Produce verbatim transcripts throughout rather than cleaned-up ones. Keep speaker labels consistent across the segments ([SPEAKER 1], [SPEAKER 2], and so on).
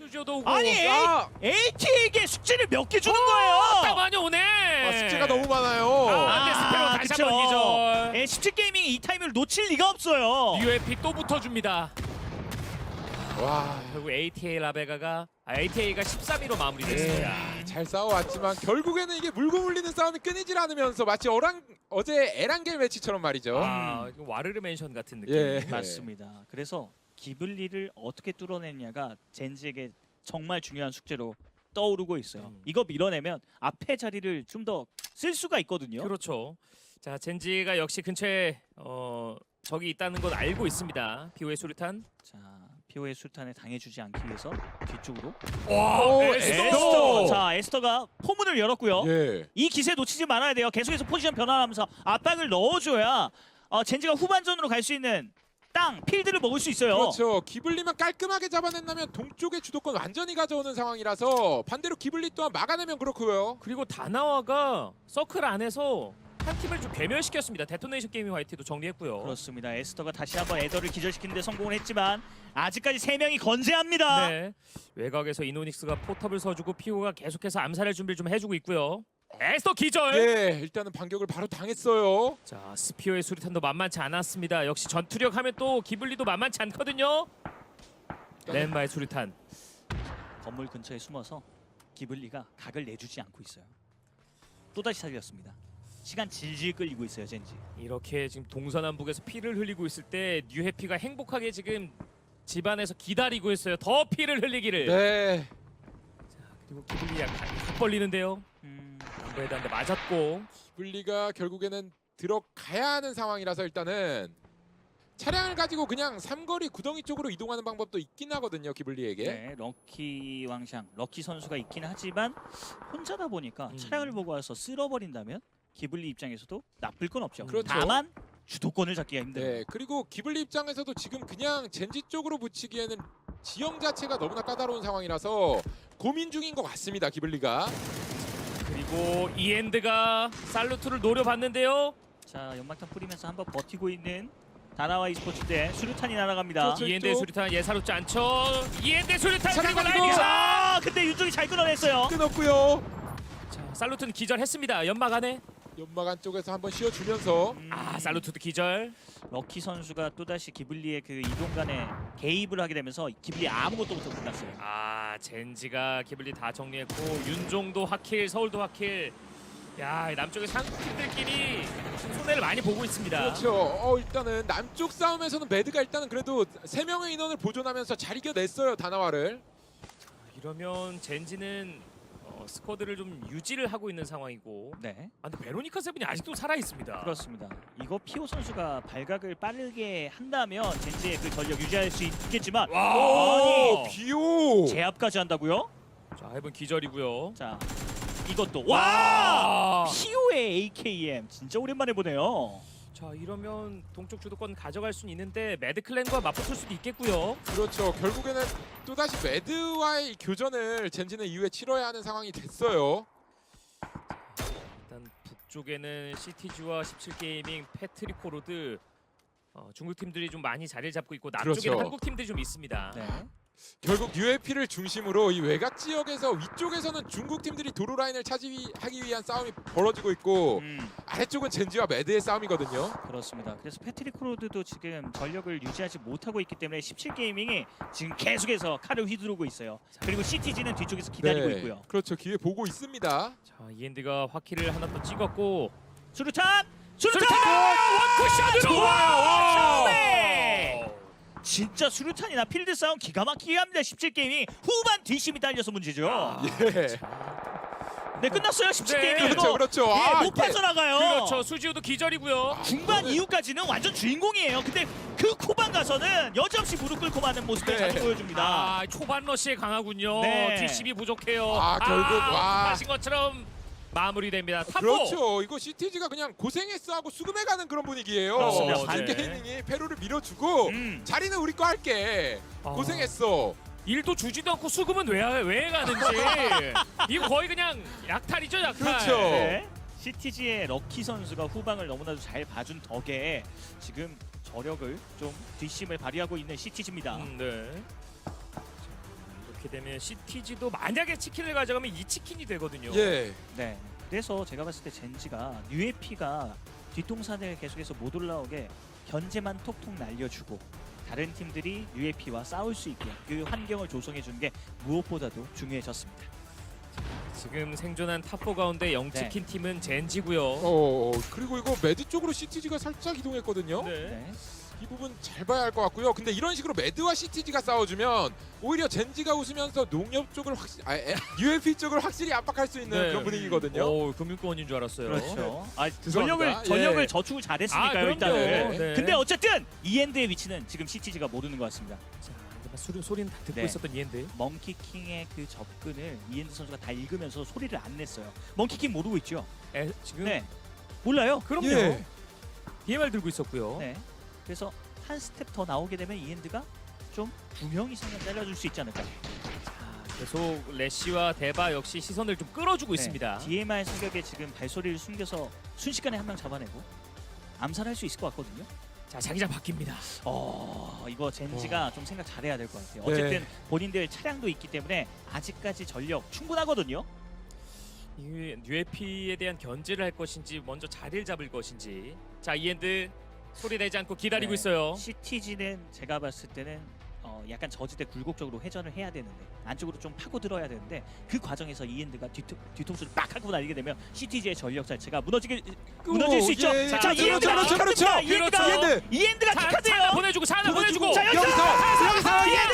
[SPEAKER 1] 수지오도 오고.
[SPEAKER 2] 아니
[SPEAKER 3] 아!
[SPEAKER 2] 에이티에게 숙제를 몇 개 주는
[SPEAKER 1] 딱
[SPEAKER 2] 거예요.
[SPEAKER 1] 많이 오네.
[SPEAKER 3] 아, 숙제가 너무 많아요.
[SPEAKER 1] 아, 안돼 스페로 다시
[SPEAKER 2] 그쵸.
[SPEAKER 1] 한번 기절.
[SPEAKER 2] 예, 십칠 게이밍이 이 타이밍을 놓칠 리가 없어요.
[SPEAKER 1] 유에피 또 붙어줍니다.
[SPEAKER 3] 와,
[SPEAKER 1] 결국 에이티에이 라베가가 아, 에이티에이가 십삼 위로 마무리됐습니다.
[SPEAKER 3] 예, 잘 싸워왔지만 결국에는 이게 물고 물리는 싸움이 끊이질 않으면서 마치 어랑, 어제 에란겔 매치처럼 말이죠.
[SPEAKER 1] 아, 이거 와르르 맨션 같은 느낌.
[SPEAKER 3] 예.
[SPEAKER 2] 맞습니다. 그래서 기블리를 어떻게 뚫어내냐가 젠지에게 정말 중요한 숙제로 떠오르고 있어요.
[SPEAKER 1] 음.
[SPEAKER 2] 이거 밀어내면 앞에 자리를 좀 더 쓸 수가 있거든요.
[SPEAKER 1] 그렇죠. 자, 젠지가 역시 근처에 어, 적이 있다는 건 알고 있습니다. 비오의 수류탄.
[SPEAKER 2] 자, 피오의 술탄에 당해주지 않기 위해서 뒤쪽으로.
[SPEAKER 1] 와,
[SPEAKER 3] 오,
[SPEAKER 1] 에스더!
[SPEAKER 2] 에스터. 자, 에스터가 포문을 열었고요.
[SPEAKER 3] 예.
[SPEAKER 2] 이 기세 놓치지 말아야 돼요. 계속해서 포지션 변화하면서 압박을 넣어줘야 어, 젠지가 후반전으로 갈 수 있는 땅, 필드를 먹을 수 있어요.
[SPEAKER 3] 그렇죠. 기블리만 깔끔하게 잡아낸다면 동쪽의 주도권 완전히 가져오는 상황이라서 반대로 기블리 또한 막아내면 그렇고요.
[SPEAKER 1] 그리고 다나와가 서클 안에서 한 팀을 좀 괴멸시켰습니다. 데토네이션 게이밍 화이트도 정리했고요.
[SPEAKER 2] 그렇습니다. 에스터가 다시 한번 에더를 기절시키는데 성공을 했지만 아직까지 세 명이 건재합니다.
[SPEAKER 1] 네. 외곽에서 이노닉스가 포탑을 서주고 피오가 계속해서 암살할 준비를 좀 해주고 있고요. 에스더 기절!
[SPEAKER 3] 예, 일단은 반격을 바로 당했어요.
[SPEAKER 1] 자, 스피어의 수리탄도 만만치 않았습니다. 역시 전투력 하면 또 기블리도 만만치 않거든요. 렌마의 수리탄.
[SPEAKER 2] 건물 근처에 숨어서 기블리가 각을 내주지 않고 있어요. 또다시 살렸습니다. 시간 질질 끌리고 있어요, 젠지.
[SPEAKER 1] 이렇게 지금 동서남북에서 피를 흘리고 있을 때 뉴해피가 행복하게 지금 집안에서 기다리고 있어요. 더 피를 흘리기를.
[SPEAKER 3] 네.
[SPEAKER 1] 자, 그리고 기블리 약간 확 벌리는데요.
[SPEAKER 2] 음,
[SPEAKER 1] 이거에 대한 데 맞았고.
[SPEAKER 3] 기블리가 결국에는 들어가야 하는 상황이라서 일단은 차량을 가지고 그냥 삼거리 구덩이 쪽으로 이동하는 방법도 있긴 하거든요, 기블리에게.
[SPEAKER 2] 네, 럭키 왕샹, 럭키 선수가 있긴 하지만 혼자다 보니까
[SPEAKER 1] 음.
[SPEAKER 2] 차량을 보고 와서 쓸어버린다면 기블리 입장에서도 나쁠 건 없죠.
[SPEAKER 3] 그렇죠.
[SPEAKER 2] 다만 주도권을 잡기가 힘들어요.
[SPEAKER 3] 네, 그리고 기블리 입장에서도 지금 그냥 젠지 쪽으로 붙이기에는 지형 자체가 너무나 까다로운 상황이라서 고민 중인 것 같습니다, 기블리가.
[SPEAKER 1] 그리고 이엔드가 살루트를 노려봤는데요.
[SPEAKER 2] 자, 연막탄 뿌리면서 한번 버티고 있는 다나와 e스포츠 대 수류탄이 날아갑니다.
[SPEAKER 3] 그렇죠.
[SPEAKER 1] 이엔드의
[SPEAKER 3] 또-
[SPEAKER 1] 수류탄 예사롭지 않죠. 이엔드의 수류탄
[SPEAKER 3] 차량
[SPEAKER 1] 그리고
[SPEAKER 3] 가지고-
[SPEAKER 1] 라이딩.
[SPEAKER 2] 아, 근데 윤종이 잘 끊어냈어요.
[SPEAKER 3] 끊었고요.
[SPEAKER 1] 자, 살루트는 기절했습니다. 연막 안에.
[SPEAKER 3] 연막 안쪽에서 한번 씌워주면서
[SPEAKER 2] 음,
[SPEAKER 1] 아, 살루트도 기절.
[SPEAKER 2] 럭키 선수가 또다시 기블리의 그 이동간에 개입을 하게 되면서 기블리 아무것도 못하고 끝났어요.
[SPEAKER 1] 아, 젠지가 기블리 다 정리했고 윤종도 확킬, 서울도 확킬. 야, 이 남쪽의 상팀들끼리 손해를 많이 보고 있습니다.
[SPEAKER 3] 그렇죠. 어, 일단은 남쪽 싸움에서는 매드가 일단은 그래도 세 명의 인원을 보존하면서 잘 이겨냈어요, 다나와를.
[SPEAKER 1] 이러면 젠지는 어, 스쿼드를 좀 유지를 하고 있는 상황이고.
[SPEAKER 2] 네,
[SPEAKER 1] 아, 근데 베로니카 세븐이 아직도 살아 있습니다.
[SPEAKER 2] 그렇습니다. 이거 피오 선수가 발각을 빠르게 한다면 젠지의 그 전력 유지할 수 있겠지만
[SPEAKER 1] 와!
[SPEAKER 3] 오,
[SPEAKER 2] 아니
[SPEAKER 3] 비오.
[SPEAKER 2] 제압까지 한다고요?
[SPEAKER 1] 자, 해본 기절이고요.
[SPEAKER 2] 자, 이것도 와!
[SPEAKER 1] 와!
[SPEAKER 2] 피오의 에이케이엠 진짜 오랜만에 보네요.
[SPEAKER 1] 자, 이러면 동쪽 주도권 가져갈 수는 있는데 매드클랜과 맞붙을 수도 있겠고요.
[SPEAKER 3] 그렇죠. 결국에는 또다시 매드와의 교전을 젠지는 이후에 치러야 하는 상황이 됐어요.
[SPEAKER 1] 일단 북쪽에는 씨티지와 십칠 게이밍, 패트리코 로드 어, 중국 팀들이 좀 많이 자리를 잡고 있고 남쪽에는
[SPEAKER 3] 그렇죠.
[SPEAKER 1] 한국 팀들이 좀 있습니다.
[SPEAKER 2] 네.
[SPEAKER 3] 결국 유에피를 중심으로 이 외곽 지역에서 위쪽에서는 중국 팀들이 도로 라인을 차지하기 위한 싸움이 벌어지고 있고
[SPEAKER 2] 음,
[SPEAKER 3] 아래쪽은 젠지와 매드의 싸움이거든요.
[SPEAKER 2] 그렇습니다. 그래서 패트릭 크로드도 지금 전력을 유지하지 못하고 있기 때문에 십칠 게이밍이 지금 계속해서 칼을 휘두르고 있어요. 그리고 씨티지는 뒤쪽에서 기다리고 있고요.
[SPEAKER 3] 그렇죠. 기회 보고 있습니다.
[SPEAKER 1] 자, 이엔드가 화키를 하나 또 찍었고
[SPEAKER 2] 수류탄! 수류탄!
[SPEAKER 1] 원쿠션으로
[SPEAKER 2] 좋아요.
[SPEAKER 1] 네!
[SPEAKER 2] 진짜 수류탄이나 필드 싸움 기가 막히게 합니다. 십칠 게이밍 후반 뒷심이 딸려서 문제죠.
[SPEAKER 1] 아,
[SPEAKER 3] 예.
[SPEAKER 2] 네, 끝났어요. 십칠
[SPEAKER 1] 네.
[SPEAKER 2] 게이밍
[SPEAKER 3] 그렇죠,
[SPEAKER 2] 이거
[SPEAKER 3] 그렇죠.
[SPEAKER 2] 예,
[SPEAKER 3] 아,
[SPEAKER 2] 못
[SPEAKER 3] 이게-
[SPEAKER 2] 빠져나가요.
[SPEAKER 1] 그렇죠. 수지우도 기절이고요.
[SPEAKER 2] 중반
[SPEAKER 3] 이거는-
[SPEAKER 2] 이후까지는 완전 주인공이에요. 근데 그 후반 가서는 여지없이 무릎 꿇고 마는 모습을
[SPEAKER 3] 네.
[SPEAKER 2] 자주 보여줍니다.
[SPEAKER 1] 아, 초반 러시에 강하군요.
[SPEAKER 2] 네.
[SPEAKER 1] 뒷심이 부족해요.
[SPEAKER 3] 아, 결국, 와.
[SPEAKER 1] 하신 것처럼 마무리됩니다. 탑포.
[SPEAKER 3] 그렇죠. 이거 씨티지가 그냥 고생했어 하고 수금해가는 그런 분위기예요.
[SPEAKER 2] 그렇습니다.
[SPEAKER 3] 반
[SPEAKER 1] 네.
[SPEAKER 3] 게이밍이 페루를 밀어주고
[SPEAKER 2] 음.
[SPEAKER 3] 자리는 우리 거 할게.
[SPEAKER 1] 아.
[SPEAKER 3] 고생했어.
[SPEAKER 1] 일도 주지도 않고 수금은 왜, 왜 가는지. 이거 거의 그냥 약탈이죠, 약탈.
[SPEAKER 3] 그렇죠.
[SPEAKER 2] 네. 씨티지의 럭키 선수가 후방을 너무나도 잘 봐준 덕에 지금 저력을 좀 뒷심을 발휘하고 있는 씨티지입니다.
[SPEAKER 1] 음, 네. 자, 이거 이렇게 되면 씨티지도 만약에 치킨을 가져가면 이 치킨이 되거든요.
[SPEAKER 3] 예.
[SPEAKER 2] 네. 그래서 제가 봤을 때 젠지가 뉴에피가 뒷동산을 계속해서 못 올라오게 견제만 톡톡 날려주고 다른 팀들이 뉴에피와 싸울 수 있게 그 환경을 조성해 주는 게 무엇보다도 중요해졌습니다.
[SPEAKER 1] 지금 생존한 탑포 가운데 영치킨 팀은 젠지고요.
[SPEAKER 3] 어 그리고 이거 매드 쪽으로 씨티지가 살짝 이동했거든요.
[SPEAKER 1] 네.
[SPEAKER 2] 네.
[SPEAKER 3] 이 부분 잘 봐야 할 것 같고요. 근데 이런 식으로 매드와 씨티지가 싸워주면 오히려 젠지가 웃으면서 농협 쪽을 확실히 아, 유에피 쪽을 확실히 압박할 수 있는
[SPEAKER 1] 네.
[SPEAKER 3] 그런 분위기거든요.
[SPEAKER 1] 오, 금융권인 줄 알았어요.
[SPEAKER 2] 그렇죠. 아,
[SPEAKER 3] 죄송합니다.
[SPEAKER 2] 전력을 전력을
[SPEAKER 3] 예.
[SPEAKER 2] 저축을
[SPEAKER 1] 아,
[SPEAKER 2] 잘했으니까요
[SPEAKER 1] 그럼요.
[SPEAKER 2] 일단은.
[SPEAKER 1] 네.
[SPEAKER 2] 근데 어쨌든 이엔드의 위치는 지금 씨티지가 모르는 것 같습니다.
[SPEAKER 1] 자, 근데 막 소리, 소리는 다 듣고
[SPEAKER 2] 네.
[SPEAKER 1] 있었던 이엔드.
[SPEAKER 2] 멍키킹의 그 접근을 이엔드 선수가 다 읽으면서 소리를 안 냈어요. 멍키킹 모르고 있죠?
[SPEAKER 1] 에, 지금
[SPEAKER 2] 네. 몰라요?
[SPEAKER 1] 그럼요.
[SPEAKER 3] 예.
[SPEAKER 1] 디엠알 들고 있었고요.
[SPEAKER 2] 네. 그래서 한 스텝 더 나오게 되면 이엔드가 좀 두 명 이상은 잘라줄 수 있지 않을까.
[SPEAKER 1] 자, 계속 레시와 데바 역시 시선을 좀 끌어주고 있습니다.
[SPEAKER 2] 디엠알 사격에 지금 발소리를 숨겨서 순식간에 한 명 잡아내고 암살할 수 있을 것 같거든요.
[SPEAKER 1] 자, 자기장 바뀝니다.
[SPEAKER 2] 어, 이거 젠지가 좀 생각 잘해야 될 것 같아요.
[SPEAKER 3] 네.
[SPEAKER 2] 어쨌든 본인들 차량도 있기 때문에 아직까지 전력 충분하거든요.
[SPEAKER 1] 이 뉴에피에 대한 견제를 할 것인지 먼저 자리를 잡을 것인지. 자, 이엔드 소리 내지 않고 기다리고
[SPEAKER 2] 네.
[SPEAKER 1] 있어요.
[SPEAKER 2] 씨티지는 제가 봤을 때는 어, 약간 저지대 굴곡적으로 회전을 해야 되는데 안쪽으로 좀 파고 들어야 되는데 그 과정에서 이엔드가 뒤통, 뒤통수를 빡 하고 날리게 되면 씨티지의 전력 자체가 무너지게 무너질 수 있죠.
[SPEAKER 3] 예, 예.
[SPEAKER 2] 자,
[SPEAKER 1] 자,
[SPEAKER 2] 이엔드가
[SPEAKER 3] 그렇죠, 그렇죠,
[SPEAKER 2] 킥합니다.
[SPEAKER 3] 그렇죠.
[SPEAKER 2] 이엔드가
[SPEAKER 3] 그렇죠.
[SPEAKER 2] 이엔드가
[SPEAKER 1] 자,
[SPEAKER 2] 킥하세요.
[SPEAKER 1] 하나 보내주고, 자, 하나 보내주고.
[SPEAKER 2] 자, 여기서
[SPEAKER 3] 여기서 여기서
[SPEAKER 2] 이엔드!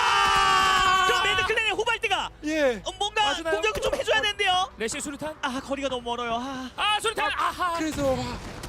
[SPEAKER 3] 아!
[SPEAKER 2] 그럼 매드클랜의 후발대가
[SPEAKER 3] 예.
[SPEAKER 2] 어, 뭔가
[SPEAKER 1] 맞으나요?
[SPEAKER 2] 공격을 좀 해줘야 되는데요.
[SPEAKER 1] 레시 수류탄.
[SPEAKER 2] 아, 거리가 너무 멀어요. 아,
[SPEAKER 1] 아, 수류탄. 아하.
[SPEAKER 3] 그래서 와,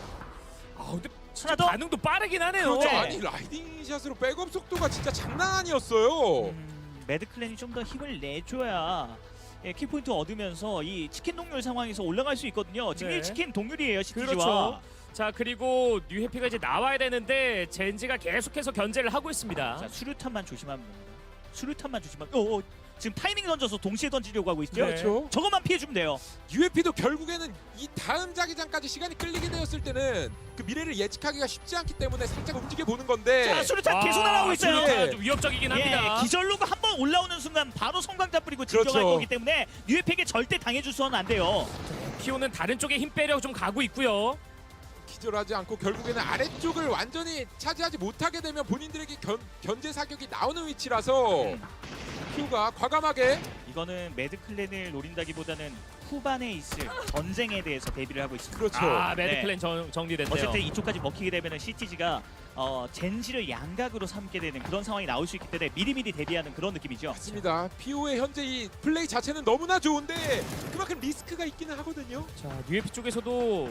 [SPEAKER 1] 아, 근데 진짜
[SPEAKER 2] 하나 더.
[SPEAKER 1] 반응도 빠르긴 하네요.
[SPEAKER 3] 그렇죠.
[SPEAKER 2] 네.
[SPEAKER 3] 아니 라이딩 샷으로 백업 속도가 진짜 장난 아니었어요.
[SPEAKER 2] 음, 매드클랜이 좀 더 힘을 내줘야 예, 키포인트 얻으면서 이 치킨 동률 상황에서 올라갈 수 있거든요. 지금
[SPEAKER 1] 네.
[SPEAKER 2] 일 치킨 동률이에요, 씨티지와.
[SPEAKER 1] 그렇죠. 자, 그리고 뉴해피가 이제 나와야 되는데 젠지가 계속해서 견제를 하고 있습니다.
[SPEAKER 2] 자, 수류탄만 조심하면 됩니다. 수류탄만 조심하면. 어, 어, 지금 타이밍 던져서 동시에 던지려고 하고 있죠.
[SPEAKER 1] 네.
[SPEAKER 3] 그렇죠.
[SPEAKER 2] 저것만 피해주면 돼요.
[SPEAKER 3] 유에피도 결국에는 이 다음 자기장까지 시간이 끌리게 되었을 때는 그 미래를 예측하기가 쉽지 않기 때문에 살짝 움직여 보는 건데.
[SPEAKER 2] 자, 수류탄
[SPEAKER 1] 아,
[SPEAKER 2] 계속 날아오고 있어요.
[SPEAKER 1] 수류탄
[SPEAKER 3] 예.
[SPEAKER 1] 좀 위협적이긴
[SPEAKER 2] 예,
[SPEAKER 1] 합니다.
[SPEAKER 2] 기절로가 한 번 올라오는 순간 바로 성광탄 뿌리고 진격할
[SPEAKER 3] 그렇죠.
[SPEAKER 2] 거기 때문에 뉴에팩에 절대 당해줘서는 안 돼요.
[SPEAKER 1] 피오는 다른 쪽에 힘 빼려 좀 가고 있고요.
[SPEAKER 3] 기절하지 않고 결국에는 아래쪽을 완전히 차지하지 못하게 되면 본인들에게 견, 견제 사격이 나오는 위치라서
[SPEAKER 2] 음.
[SPEAKER 3] 큐가 과감하게
[SPEAKER 2] 이거는 매드클랜을 노린다기보다는 후반에 있을 전쟁에 대해서 대비를 하고 있습니다.
[SPEAKER 3] 그렇죠.
[SPEAKER 1] 아,
[SPEAKER 2] 네.
[SPEAKER 1] 매드클랜 정, 정리됐네요.
[SPEAKER 2] 어쨌든 이쪽까지 먹히게 되면 씨티지가 어, 젠지를 양각으로 삼게 되는 그런 상황이 나올 수 있기 때문에 미리미리 대비하는 그런 느낌이죠.
[SPEAKER 3] 맞습니다. 피오의 현재 이 플레이 자체는 너무나 좋은데 그만큼 리스크가 있기는 하거든요.
[SPEAKER 1] 자, 뉴에피 쪽에서도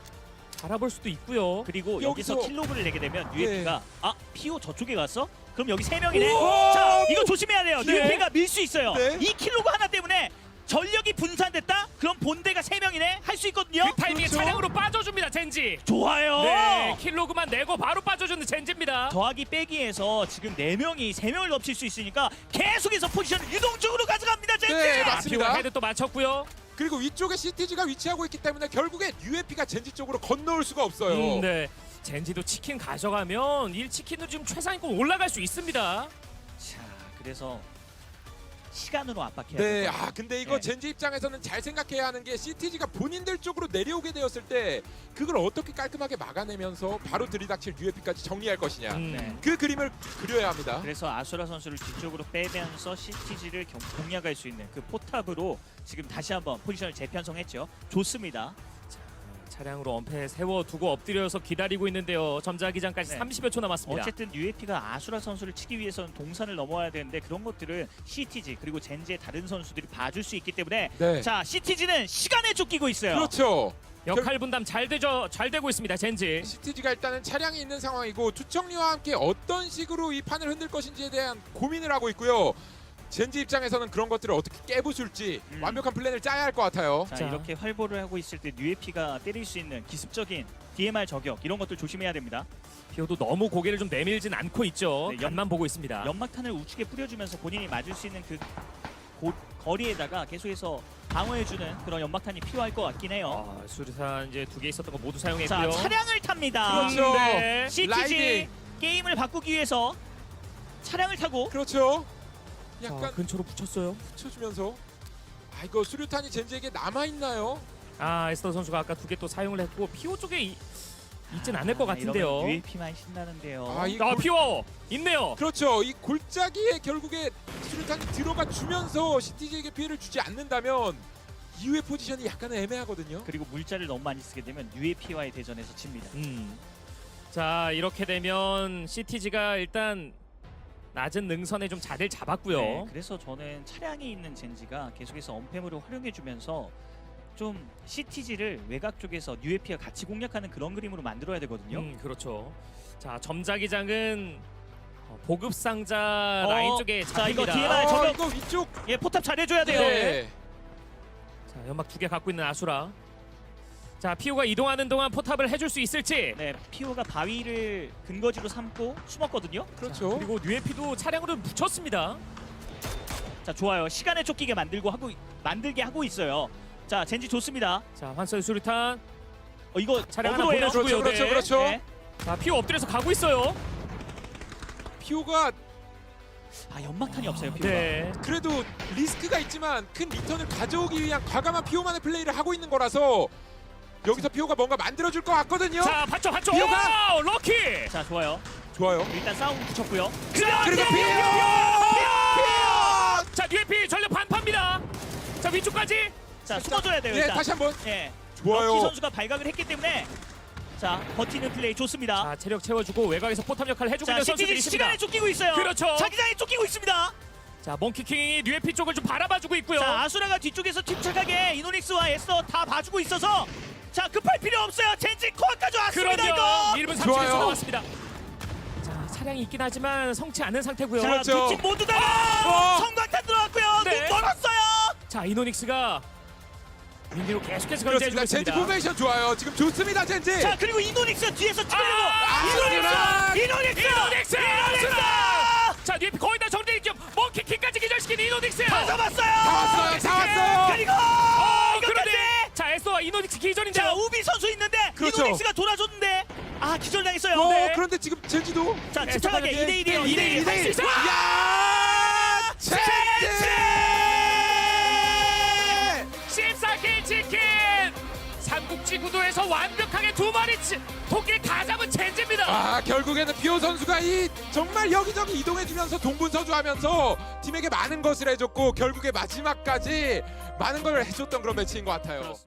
[SPEAKER 1] 알아볼 수도 있고요.
[SPEAKER 2] 그리고
[SPEAKER 3] 여기서-
[SPEAKER 2] 여기서 킬로그를 내게 되면 유에피가
[SPEAKER 3] 네.
[SPEAKER 2] 아 피오 저쪽에 갔어? 그럼 여기 세 명이네.
[SPEAKER 3] 우와!
[SPEAKER 2] 자 이거 조심해야 돼요.
[SPEAKER 3] 네.
[SPEAKER 2] 유에피가 밀 수 있어요.
[SPEAKER 3] 네.
[SPEAKER 2] 이 킬로그 하나 때문에 전력이 분산됐다? 그럼 본대가 세 명이네. 할 수 있거든요.
[SPEAKER 1] 그 타이밍에
[SPEAKER 3] 그렇죠.
[SPEAKER 1] 차량으로 빠져줍니다, 젠지.
[SPEAKER 2] 좋아요.
[SPEAKER 1] 네, 킬로그만 내고 바로 빠져주는 젠지입니다.
[SPEAKER 2] 더하기 빼기에서 지금 네 명이 세 명을 넘칠 수 있으니까 계속해서 포지션을 유동적으로 가져갑니다. 젠지.
[SPEAKER 3] 네,
[SPEAKER 1] 아,
[SPEAKER 3] 맞습니다.
[SPEAKER 1] 피오가 헤드 또 맞췄고요.
[SPEAKER 3] 그리고 위쪽에 씨티지가 위치하고 있기 때문에 결국에 유에피가 젠지 쪽으로 건너올 수가 없어요.
[SPEAKER 1] 음, 네. 젠지도 치킨 가져가면 일 치킨으로 지금 최상위권 올라갈 수 있습니다.
[SPEAKER 2] 자 그래서 시간으로 압박해야
[SPEAKER 3] 네,
[SPEAKER 2] 돼요.
[SPEAKER 3] 아 근데 이거
[SPEAKER 2] 네.
[SPEAKER 3] 젠지 입장에서는 잘 생각해야 하는 게 씨티지가 본인들 쪽으로 내려오게 되었을 때 그걸 어떻게 깔끔하게 막아내면서 바로 들이닥칠 유에피까지 정리할 것이냐.
[SPEAKER 1] 음.
[SPEAKER 2] 네.
[SPEAKER 3] 그 그림을 그려야 합니다.
[SPEAKER 2] 그래서 아수라 선수를 뒤쪽으로 빼면서 씨티지를 경- 공략할 수 있는 그 포탑으로 지금 다시 한번 포지션을 재편성했죠. 좋습니다.
[SPEAKER 1] 차량으로 엄폐 세워두고 엎드려서 기다리고 있는데요. 점자기장까지
[SPEAKER 2] 네.
[SPEAKER 1] 삼십여 초 남았습니다.
[SPEAKER 2] 어쨌든 유에피가 아수라 선수를 치기 위해서는 동산을 넘어야 되는데 그런 것들을 씨티지 그리고 젠지의 다른 선수들이 봐줄 수 있기 때문에
[SPEAKER 3] 네.
[SPEAKER 2] 자 씨티지는 시간에 쫓기고 있어요.
[SPEAKER 3] 그렇죠.
[SPEAKER 1] 역할 분담 잘 되죠. 잘 되고 있습니다. 젠지.
[SPEAKER 3] 씨티지가 일단은 차량이 있는 상황이고 투척리와 함께 어떤 식으로 이 판을 흔들 것인지에 대한 고민을 하고 있고요. 젠지 입장에서는 그런 것들을 어떻게 깨부술지
[SPEAKER 2] 음.
[SPEAKER 3] 완벽한 플랜을 짜야 할 것 같아요.
[SPEAKER 2] 자,
[SPEAKER 1] 자.
[SPEAKER 2] 이렇게 활보를 하고 있을 때 유에피가 때릴 수 있는 기습적인 디엠알 저격 이런 것들 조심해야 됩니다.
[SPEAKER 1] 피오도 너무 고개를 좀 내밀진 않고 있죠.
[SPEAKER 2] 네,
[SPEAKER 1] 연만 보고 있습니다.
[SPEAKER 2] 연막탄을 우측에 뿌려주면서 본인이 맞을 수 있는 그 고, 거리에다가 계속해서 방어해주는 그런 연막탄이 필요할 것 같긴 해요.
[SPEAKER 1] 아, 수류탄 이제 두 개 있었던 거 모두
[SPEAKER 2] 자
[SPEAKER 1] 사용했고요.
[SPEAKER 2] 차량을 탑니다.
[SPEAKER 3] 그렇죠.
[SPEAKER 1] 네.
[SPEAKER 2] 씨티지
[SPEAKER 3] 라이딩.
[SPEAKER 2] 게임을 바꾸기 위해서 차량을 타고
[SPEAKER 3] 그렇죠. 약간
[SPEAKER 1] 자, 근처로 붙였어요.
[SPEAKER 3] 붙여주면서 아 이거 수류탄이 젠지에게 남아 있나요?
[SPEAKER 1] 아 에스더 선수가 아까 두 개 또 사용을 했고 피오 쪽에 이, 있진 않을 것 같은데요.
[SPEAKER 2] 유에이피만 신나는데요.
[SPEAKER 3] 아, 이
[SPEAKER 1] 아
[SPEAKER 3] 골-
[SPEAKER 1] 피오 있네요.
[SPEAKER 3] 그렇죠. 이 골짜기에 결국에 수류탄이 들어가 주면서 씨티지에게 피해를 주지 않는다면 이후의 포지션이 약간은 애매하거든요.
[SPEAKER 2] 그리고 물자를 너무 많이 쓰게 되면 유에이피와의 대전에서 칩니다.
[SPEAKER 1] 음. 자 이렇게 되면 씨티지가 일단 낮은 능선에 좀 자리를 잡았고요.
[SPEAKER 2] 네, 그래서 저는 차량이 있는 젠지가 계속해서 언팸으로 활용해주면서 좀 씨티지를 외곽 쪽에서 유에이피와 같이 공략하는 그런 그림으로 만들어야 되거든요.
[SPEAKER 1] 음, 그렇죠. 자 점자기장은 어, 보급 상자
[SPEAKER 2] 어,
[SPEAKER 1] 라인 쪽에
[SPEAKER 2] 자, 이거
[SPEAKER 1] 잡힙니다.
[SPEAKER 2] 뒤에 봐.
[SPEAKER 3] 아,
[SPEAKER 2] 저거-
[SPEAKER 3] 이거 위쪽
[SPEAKER 2] 예, 포탑 잘해줘야 돼요.
[SPEAKER 3] 네.
[SPEAKER 1] 자 연막 두 개 갖고 있는 아수라. 자 피오가 이동하는 동안 포탑을 해줄 수 있을지.
[SPEAKER 2] 네, 피오가 바위를 근거지로 삼고 숨었거든요.
[SPEAKER 3] 그렇죠.
[SPEAKER 1] 자, 그리고 뉴에피도 차량으로 붙였습니다.
[SPEAKER 2] 자, 좋아요. 시간에 쫓기게 만들고 하고 만들게 하고 있어요. 자, 젠지 좋습니다.
[SPEAKER 1] 자 환선 수류탄.
[SPEAKER 2] 어, 이거
[SPEAKER 1] 차량 하나
[SPEAKER 2] 어그로예요.
[SPEAKER 1] 보내주고요.
[SPEAKER 3] 그렇죠,
[SPEAKER 1] 네.
[SPEAKER 3] 그렇죠.
[SPEAKER 2] 네.
[SPEAKER 1] 자 피오 엎드려서 가고 있어요.
[SPEAKER 3] 피오가
[SPEAKER 2] 아, 연막탄이 없어요. 피오가.
[SPEAKER 1] 네.
[SPEAKER 3] 그래도 리스크가 있지만 큰 리턴을 가져오기 위한 과감한 피오만의 플레이를 하고 있는 거라서 여기서 피오가 뭔가 만들어줄 것 같거든요.
[SPEAKER 1] 자 받쳐 받쳐.
[SPEAKER 3] 피오가!
[SPEAKER 1] 오, 럭키.
[SPEAKER 2] 자, 좋아요.
[SPEAKER 3] 좋아요.
[SPEAKER 2] 일단 싸움 붙였고요.
[SPEAKER 1] 자,
[SPEAKER 3] 그리고
[SPEAKER 1] 네.
[SPEAKER 3] 피오! 피오!
[SPEAKER 1] 자 뉴에피 전력 반파입니다. 자 위쪽까지.
[SPEAKER 2] 자, 숨어줘야 돼요.
[SPEAKER 3] 예,
[SPEAKER 2] 일단.
[SPEAKER 3] 다시 한번.
[SPEAKER 2] 예.
[SPEAKER 3] 좋아요.
[SPEAKER 2] 럭키 선수가 발각을 했기 때문에 자, 버티는 플레이 좋습니다.
[SPEAKER 1] 자 체력 채워주고 외곽에서 포탑 역할을 해주고
[SPEAKER 2] 자,
[SPEAKER 1] 있는
[SPEAKER 2] 씨티지
[SPEAKER 1] 선수들이 있습니다.
[SPEAKER 2] 시간에 쫓기고 있어요.
[SPEAKER 1] 그렇죠.
[SPEAKER 2] 자기장에 쫓기고 있습니다.
[SPEAKER 1] 자 몽키킹이 뉴에피 쪽을 좀 바라봐주고 있고요.
[SPEAKER 2] 자, 아수라가 뒤쪽에서 침착하게 이노닉스와 에스더 다 봐주고 있어서 자, 급할 필요 없어요. 젠지 코어까지 왔습니다.
[SPEAKER 1] 그럼요.
[SPEAKER 2] 이거.
[SPEAKER 1] 일 분 삼십 초
[SPEAKER 3] 좋아요.
[SPEAKER 1] 남았습니다. 자 차량이 있긴 하지만 성치 않은 상태고요.
[SPEAKER 2] 자,
[SPEAKER 3] 그렇죠.
[SPEAKER 2] 두 팀 모두 다
[SPEAKER 3] 어.
[SPEAKER 2] 성광탄 들어갔고요.
[SPEAKER 1] 네.
[SPEAKER 2] 눈 멀었어요.
[SPEAKER 1] 자 이노닉스가 윈디로 계속해서
[SPEAKER 3] 그렇습니다.
[SPEAKER 1] 견제해주고
[SPEAKER 3] 젠지
[SPEAKER 1] 있습니다.
[SPEAKER 3] 포메이션 좋아요. 지금 좋습니다, 젠지.
[SPEAKER 2] 자, 그리고 이노닉스 뒤에서 찌르려고
[SPEAKER 1] 아,
[SPEAKER 2] 이노닉스! 이노닉스!
[SPEAKER 1] 이노닉스!
[SPEAKER 2] 이노닉스!
[SPEAKER 1] 자 뉴에피 거의 다 정리될 겸 몽키킹까지 기절시킨 이노닉스.
[SPEAKER 2] 다 잡았어요.
[SPEAKER 3] 다 왔어요, 다 왔어요.
[SPEAKER 2] 그리고
[SPEAKER 1] 어,
[SPEAKER 2] 이것까지.
[SPEAKER 1] 그런데 자 에스와 이노닉스 기절인데요.
[SPEAKER 2] 자, 우비 선수 있는데
[SPEAKER 3] 그렇죠.
[SPEAKER 2] 이노닉스가 돌아줬는데 아, 기절당했어요.
[SPEAKER 3] 어,
[SPEAKER 2] 네.
[SPEAKER 3] 그런데 지금 젠지도
[SPEAKER 2] 자,
[SPEAKER 1] 네,
[SPEAKER 2] 침착하게
[SPEAKER 1] 잠깐만요.
[SPEAKER 2] 이 대 일이에요.
[SPEAKER 1] 이
[SPEAKER 2] 이 대 일.
[SPEAKER 1] 대 일.
[SPEAKER 3] 이 대 일.
[SPEAKER 1] 수 있어요.
[SPEAKER 3] 야! 젠지!
[SPEAKER 1] 십사 킬 치킨. 삼국지 구도에서 완벽하게 두 마리 치, 토끼를 다 잡은 젠지입니다.
[SPEAKER 3] 아, 결국에는 피오 선수가 이 정말 여기저기 이동해주면서 동분서주하면서 팀에게 많은 것을 해줬고 결국에 마지막까지 많은 걸 해줬던 그런 매치인 것 같아요.